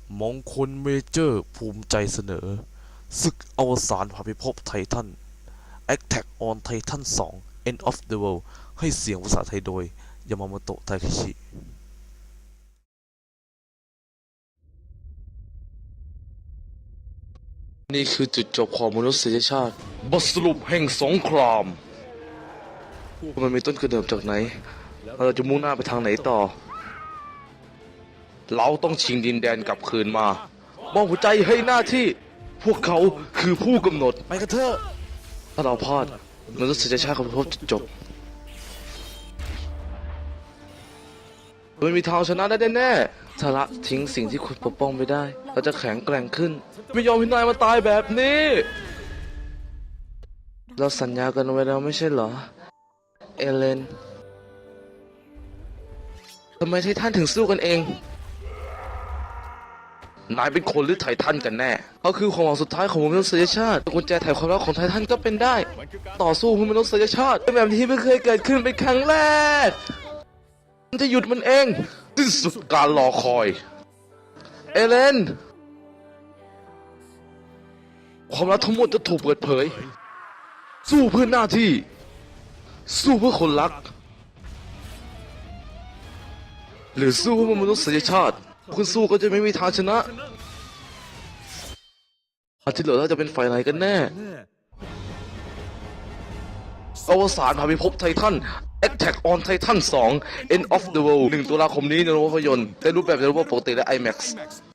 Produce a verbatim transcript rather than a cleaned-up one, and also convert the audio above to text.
มงคลเมเจอร์ภูมิใจเสนอศึกอวสานภาพิภพไททัน Attack on Titan ทู End of the World ให้เสียงภาษาไทยโดยยามาโมโตะ ทาเคชินี่คือจุดจบของมนุษยชาติบทสรุปแห่งสงครามมันมีต้นกำเนิดจากไหนเราจะมุ่งหน้าไปทางไหนต่อเราต้องชิงดินแดนกลับคืนมามอบหัวใจให้หน้าที่พวกเขาคือผู้กำหนดไปกันเถอะถ้าเราพลาดมนุษยชาติของพวกจบไม่มีทางชนะได้แน่ๆถ้าละทิ้งสิ่งที่คุณปกป้องไม่ได้เราจะแข็งแกร่งขึ้นไม่ยอมให้นายมาตายแบบนี้เราสัญญากันไว้แล้วไม่ใช่เหรอเอเลนทำไมไททันถึงสู้กันเองนายเป็นคนหรือไททันกันแน่เขาคือความหวังสุดท้ายของมนุษยชาติกุญแจไขความรักของไททันก็เป็นได้ต่อสู้เพื่อมนุษยชาติเป็นแบบที่ไม่เคยเกิดขึ้นเป็นครั้งแรกมันจะหยุดมันเองที่สุดการรอคอยเอเลนความลับทั้งหมดจะถูกเปิดเผยสู้เพื่อหน้าที่สู้เพื่อคนรักหรือสู้เพื่อมนุษยชาติคุณสู้ก็จะไม่มีทางชนะอาที่เหลือเราจะเป็นฝ่ายไหนกันแน่อวสานภาพิภพไททัน Attack on Titan ทู End of the World หนึ่งตุลาคมนี้ในโรงภาพยนตร์ในรูปแบบในรูปแบบปกติและ ไอแม็กซ์